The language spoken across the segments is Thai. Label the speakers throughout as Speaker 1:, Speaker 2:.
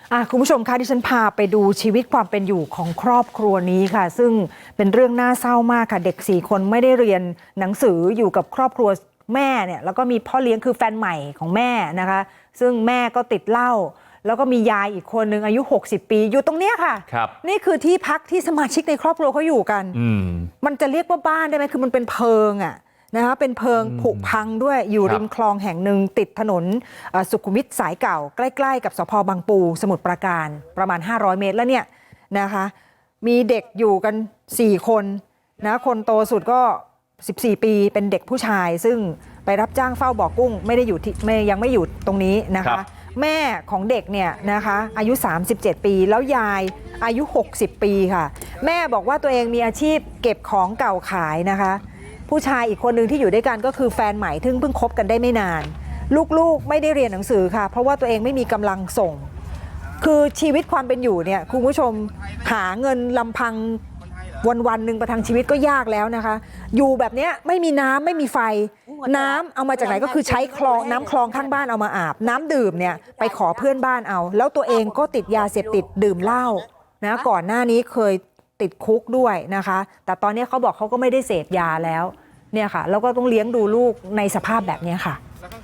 Speaker 1: คุณผู้ชมคะที่ฉันพาไปดูชีวิตความเป็นอยู่ของครอบครัวนี้ค่ะซึ่งเป็นเรื่องน่าเศร้ามากค่ะเด็ก4 คนไม่ได้เรียนหนังสืออยู่กับครอบครัวแม่เนี่ยแล้วก็มีพ่อเลี้ยงคือแฟนใหม่ของแม่นะคะซึ่งแม่ก็ติดเหล้าแล้วก็มียายอีกคนนึงอายุ60 ปีอยู่ตรงเนี้ยค่ะนี่คือที่พักที่สมาชิกในครอบครัวเขาอยู่กันมันจะเรียกว่าบ้านได้ไหมคือมันเป็นเพิงนะคะเป็นเพิงผุพังด้วยอยู่ริมคลองแห่งหนึ่งติดถนนสุขุมวิทสายเก่าใกล้ๆกับสภ.บางปูสมุทรปราการประมาณ500 เมตรแล้วเนี่ยนะคะมีเด็กอยู่กัน4 คนนะคนโตสุดก็14 ปีเป็นเด็กผู้ชายซึ่งไปรับจ้างเฝ้าบ่อกุ้งไม่ได้อยู่ที่ยังไม่อยู่ตรงนี้นะคะแม่ของเด็กเนี่ยนะคะอายุ37 ปีแล้วยายอายุ60 ปีค่ะแม่บอกว่าตัวเองมีอาชีพเก็บของเก่าขายนะคะผู้ชายอีกคนหนึ่งที่อยู่ด้วยกันก็คือแฟนใหม่ที่เพิ่งคบกันได้ไม่นานลูกๆไม่ได้เรียนหนังสือค่ะเพราะว่าตัวเองไม่มีกำลังส่งคือชีวิตความเป็นอยู่เนี่ยคุณผู้ชมหาเงินลำพังวันหนึ่งประทังชีวิตก็ยากแล้วนะคะอยู่แบบนี้ไม่มีน้ำไม่มีไฟน้ำเอามาจากไหนก็คือใช้คลองน้ำคลองข้างบ้านเอามาอาบน้ำดื่มเนี่ยไปขอเพื่อนบ้านเอาแล้วตัวเองก็ติดยาเสพติดดื่มเหล้านะก่อนหน้านี้เคยติดคุกด้วยนะคะแต่ตอนนี้เขาบอกเขาก็ไม่ได้เสพยาแล้วเนี่ยค่ะแล้วก็ต้องเลี้ยงดูลูกในสภาพแบบนี้ค่ะ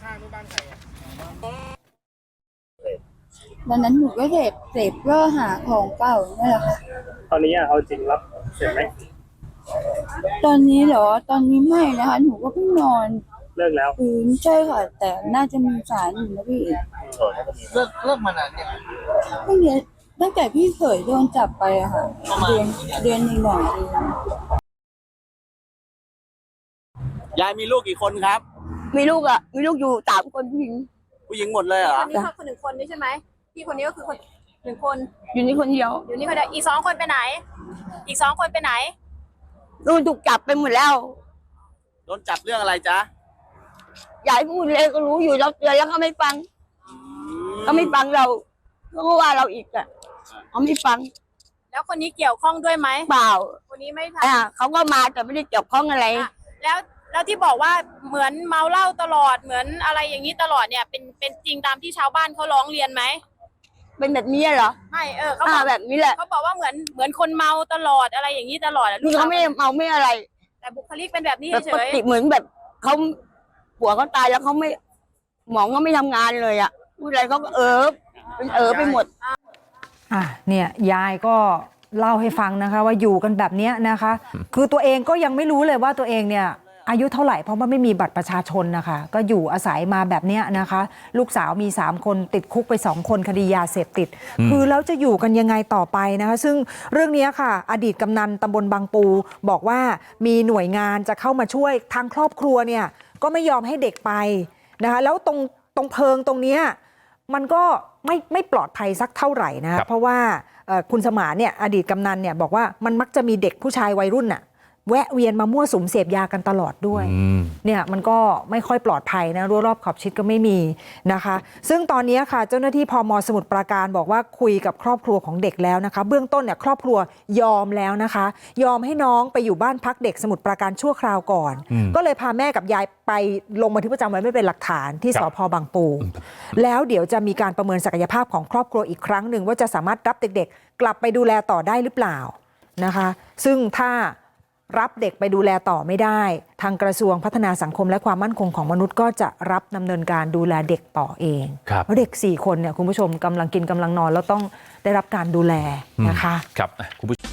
Speaker 2: วันนั้นหนูก็เสพเพื่อหาของเก่านี่แหละค่ะ
Speaker 3: ตอนนี้เอาจริงรับเสร็จไหม
Speaker 2: ตอนนี้เหรอตอนนี้ไม่นะคะหนูก็เพิ่งนอน
Speaker 3: เลิกแล้ว
Speaker 2: ใช่ค่ะแต่น่าจะมีสารอยู่นะพี่
Speaker 3: เลิกมานานเนี่ย
Speaker 2: ตั้งแต่พี่เขยโดนจับไปอะค่ะเดือนหน่อย
Speaker 4: ยายมีลูกกี่คนครับ
Speaker 2: มีลูกอยู่3 คนผู้หญิง
Speaker 4: หมดเลยเหรอ
Speaker 5: คนนี้เขาคน1 คนนี่ใช่ไหมพี่คนนี้ก็คือ1 คน
Speaker 2: อยู่นี่คนเดียว
Speaker 5: อยู่นี่คนเดียวอีก2 คนไปไหนอีก2 คนไปไหน
Speaker 2: ถูกจับไปหมดแล้ว
Speaker 4: โดนจับเรื่องอะไรจ๊ะ
Speaker 2: ยายพูดเลยก็รู้อยู่เราเตือนแล้วเขาไม่ฟังเราก็ว่าเราอีกอะเขาไม่ฟัง
Speaker 5: แล้วคนนี้เกี่ยวข้องด้วยไหม
Speaker 2: เปล่า
Speaker 5: คนนี้ไม่ทำ
Speaker 2: เขาก็มาแต่ไม่ได้เกี่ยวข้องอะไร
Speaker 5: แล้วที่บอกว่าเหมือนเมาเหล้าตลอดเหมือนอะไรอย่างนี้ตลอดเนี่ยเป็นจริงตามที่ชาวบ้านเขาร้องเรียนไหม
Speaker 2: เป็นแบบนี้เหรอ
Speaker 5: ไม่เขาบอก
Speaker 2: แบบนี้แหละ
Speaker 5: เขาบอกว่าเหมือนคนเมาตลอดอะไรอย่างนี้ตลอด
Speaker 2: นี่เขาไม่เมาไม่อะไร
Speaker 5: แต่บุคลิกเป็นแบบนี้เฉย
Speaker 2: เหมือนแบบเขาผัวเขาตายแล้วเขาไม่หมองก็ไม่ทำงานเลยอ่ะพูดอะไรเขาก็เป็นไปหมด
Speaker 1: เนี่ยยายก็เล่าให้ฟังนะคะว่าอยู่กันแบบนี้นะคะคือตัวเองก็ยังไม่รู้เลยว่าตัวเองเนี่ยอายุเท่าไหร่เพราะว่าไม่มีบัตรประชาชนนะคะก็อยู่อาศัยมาแบบนี้นะคะลูกสาวมี3 คนติดคุกไป2 คนคดียาเสพติดคือแล้วจะอยู่กันยังไงต่อไปนะคะซึ่งเรื่องนี้ค่ะอดีตกำนันตำบลบางปูบอกว่ามีหน่วยงานจะเข้ามาช่วยทางครอบครัวเนี่ยก็ไม่ยอมให้เด็กไปนะคะแล้วตรงเพิงตรงนี้มันก็ไม่ปลอดภัยสักเท่าไหร่นะเพราะว่าคุณสมานเนี่ยอดีตกำนันเนี่ยบอกว่ามันมักจะมีเด็กผู้ชายวัยรุ่นน่ะแวะเวียนมามั่วสุมเสพยากันตลอดด้วยเนี่ยมันก็ไม่ค่อยปลอดภัยนะรั้วรอบขอบชิดก็ไม่มีนะคะซึ่งตอนนี้ค่ะเจ้าหน้าที่พม.สมุทรปราการบอกว่าคุยกับครอบครัวของเด็กแล้วนะคะเบื้องต้นเนี่ยครอบครัวยอมแล้วนะคะยอมให้น้องไปอยู่บ้านพักเด็กสมุทรปราการชั่วคราวก่อนก็เลยพาแม่กับยายไปลงบันทึกประจำวันไว้เป็นหลักฐานที่สภ.บางปูแล้วเดี๋ยวจะมีการประเมินศักยภาพของครอบครัวอีกครั้งหนึ่งว่าจะสามารถรับเด็กๆกลับไปดูแลต่อได้หรือเปล่านะคะซึ่งถ้ารับเด็กไปดูแลต่อไม่ได้ทางกระทรวงพัฒนาสังคมและความมั่นคงของมนุษย์ก็จะรับดำเนินการดูแลเด็กต่อเองเพราะเด็ก4 คนเนี่ยคุณผู้ชมกำลังกินกำลังนอนแล้วต้องได้รับการดูแลนะคะ
Speaker 6: ครับคุณผู้ชม